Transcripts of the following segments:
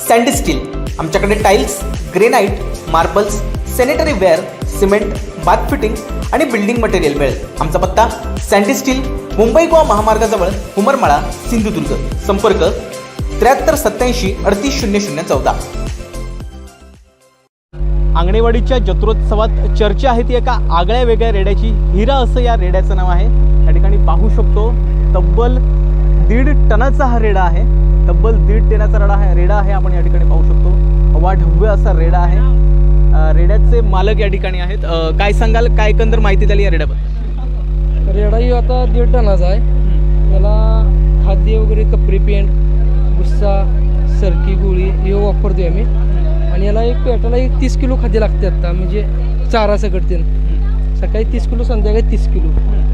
Sandy Steel. आमच्याकडे tiles, granite, marbles, sanitary ware, cement, bath fitting आणि building material मिळेल। आमचा पत्ता सँडी स्टील, मुंबई गोवा महामार्गाजवळ, हुमरमाळा, सिंधुदुर्ग। संपर्क 73 87 38 0014। आंगणेवाडीच्या जत्रोत्सवात चर्चा आहे ती एका आगळ्या वेगळ्या रेड्याची। हिरा असं या रेड्याचं नाव आहे। या ठिकाणी पाहू शकतो तब्बल 1.5 टनाचा हा रेडा आहे। तब्बल 1.5 टनाचा रेडा आहे। आपण या ठिकाणी पाहू शकतो अवाढव्य असा रेडा आहे। रेड्याचे मालक या ठिकाणी आहेत। काय सांगाल, काय एकंदर माहिती द्याल या रेड्याबद्दल? रेडा ही आता 1.5 टनाचा आहे। याला खाद्य वगैरे कपडे, पेंट, भुस्सा, सरकी, गोळी हे वापरतोय आम्ही। आणि याला एक पेटाला 30 किलो खाद्य लागते आता, म्हणजे चारा सकटते। सकाळी 30 किलो, संध्याकाळी 30 किलो।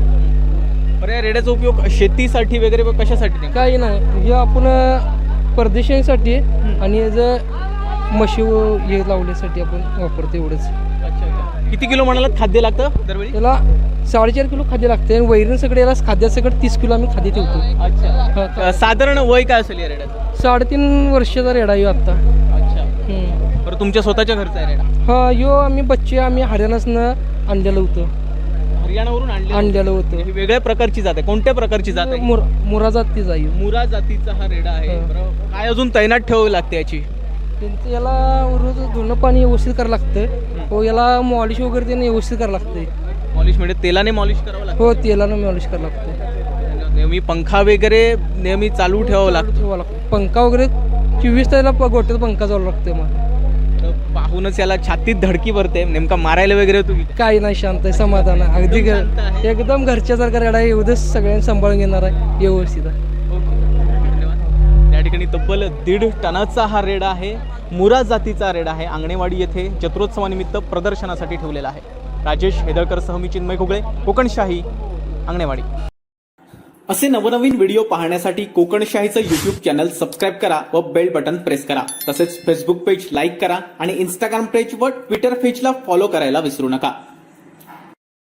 बरं, या रेड्याचा उपयोग शेतीसाठी वगैरे कशासाठी? काही नाही, हे आपण परदेशांसाठी आणि याचं म्हशी हे लावण्यासाठी आपण वापरतो, एवढंच। अच्छा, किती किलो म्हणालात खाद्य लागतं दरवेळी? याला 4.5 किलो खाद्य लागते आणि वैरण सगळे याला खाद्यासकट 30 किलो आम्ही खाद्य ठेवतो। अच्छा, साधारण वय काय असेल या रेड्याचं? 3.5 वर्षाचा रेडा यो आता। अच्छा, बरं, तुमच्या स्वतःच्या घरचा आहे रेडा? हा, यो आम्ही बच्चे आम्ही हरियाणासनं आणलेलं होतं। हरियाणावरून आणलेलं होतं। ही वेगळ्या प्रकारची जात आहे। कोणत्या प्रकारची जात आहे? मुरा जातीचा आहे। मुरा जातीचा हा रेडा आहे। बरोबर, काय अजून तैनात ठेवावी लागते याची? त्यांचं याला रोज धुणं पाणी व्यवस्थित करावं लागतं। हो, याला मॉलिश वगैरे त्यांनी व्यवस्थित करावं लागतंय। मॉलिश म्हणजे तेलाने मॉलिश करावं लागतं? हो, तेलानं मॉलिश करावं लागतं। नेहमी पंखा वगैरे नेहमी चालू ठेवावं लागतं? पंखा वगैरे 24 तासाला गोट्यात पंखा चालू लागतोय। मग पाहूनच याला छातीत धडकी भरते। नेमका मारायला वगैरे तुम्ही? काही नाही, शांत आहे, समाधान आहे, अगदी एकदम घरच्यासारखा रेडा आहे। एवढंच सगळ्यांनी सांभाळून घेणार आहे, व्यवस्थित आहे। धन्यवाद। या ठिकाणी तब्बल 1.5 टनाचा हा रेडा आहे। मुरा जातीचा रेडा आहे। आंगणेवाडी येथे जत्रोत्सवानिमित्त प्रदर्शनासाठी ठेवलेला आहे। राजेश हेदळकरसह मी चिन्मय घुगळे, कोकणशाही, आंगणेवाडी। असे नवनवीन व्हिडिओ पाहण्यासाठी कोकणशाहीचं यूट्यूब चॅनल सबस्क्राईब करा व बेल बटन प्रेस करा। तसेच फेसबुक पेज लाईक करा आणि इंस्टाग्राम पेज व ट्विटर पेजला फॉलो करायला विसरू नका।